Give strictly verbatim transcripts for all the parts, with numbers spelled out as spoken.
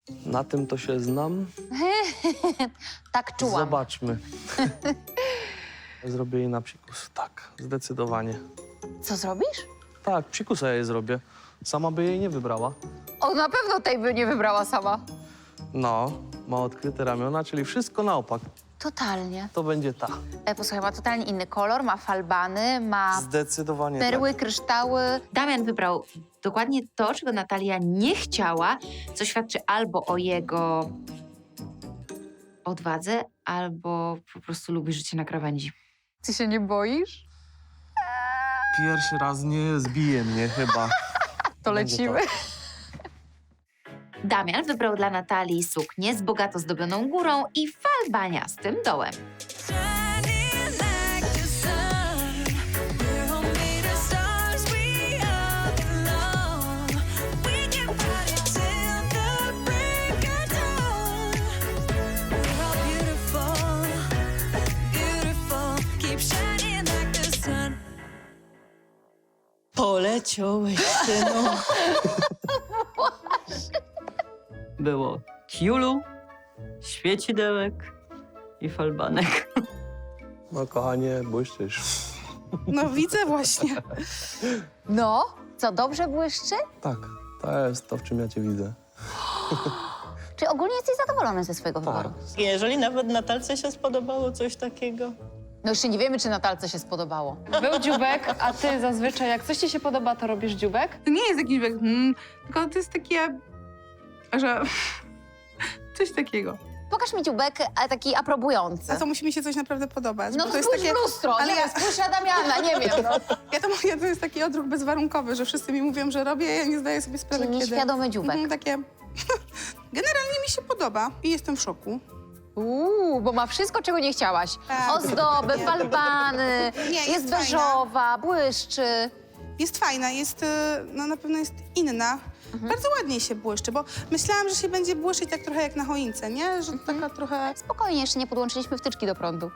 Na tym to się znam. Tak czułam. Zobaczmy. Zrobię jej na psikus. Tak, zdecydowanie. Co zrobisz? Tak, psikusa ja jej zrobię. Sama by jej nie wybrała. O, na pewno tej by nie wybrała sama. No, ma odkryte ramiona, czyli wszystko na opak. Totalnie. To będzie ta. E, posłuchaj, ma totalnie inny kolor, ma falbany, ma Zdecydowanie perły, tak. kryształy. Damian wybrał dokładnie to, czego Natalia nie chciała, co świadczy albo o jego odwadze, albo po prostu lubi życie na krawędzi. Ty się nie boisz? Pierwszy raz nie zbije mnie chyba. To Będzie lecimy. Damian wybrał dla Natalii suknię z bogato zdobioną górą i falbaniastym dołem. Shining like the sun, we're all made of stars. We all belong. We can party till the break of dawn. We're all beautiful, beautiful. Keep shining like the sun. Poleciałeś, synu. Było tiulu, świecidełek i falbanek. No kochanie, błyszczysz. No widzę właśnie. No, co, dobrze błyszczy? Tak, to jest to, w czym ja cię widzę. Czy ogólnie jesteś zadowolony ze swojego Tak. wyboru? Jeżeli nawet Natalce się spodobało coś takiego. No jeszcze nie wiemy, czy Natalce się spodobało. Był dziubek, a ty zazwyczaj jak coś ci się podoba, to robisz dziubek? To nie jest jakiś bieg, hmm, tylko to jest takie, że coś takiego. Pokaż mi dziubek, ale taki aprobujący. A to musi mi się coś naprawdę podobać. No bo to to jest spójrz takie, w lustro, ale nie ja- wiem, spójrz na Damiana, nie wiem. No. ja to mówię, to jest taki odruch bezwarunkowy, że wszyscy mi mówią, że robię, a ja nie zdaję sobie sprawy, Czyli kiedy. nieświadomy dziubek. Mhm, takie, generalnie mi się podoba i jestem w szoku. Uuu, bo ma wszystko, czego nie chciałaś. Tak. Ozdoby, falbany, Nie, jest, jest fajna. beżowa, błyszczy. Jest fajna, jest, e, no na pewno jest inna. Mhm. Bardzo ładnie się błyszczy, bo myślałam, że się będzie błyszczyć tak trochę jak na choince, nie? Że Mhm. taka trochę Spokojnie, jeszcze nie podłączyliśmy wtyczki do prądu.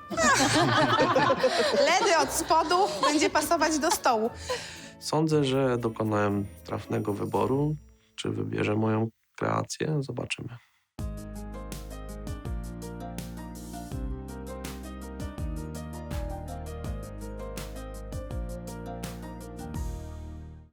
ledy od spodu będzie pasować do stołu. Sądzę, że dokonałem trafnego wyboru. Czy wybierze moją kreację? Zobaczymy.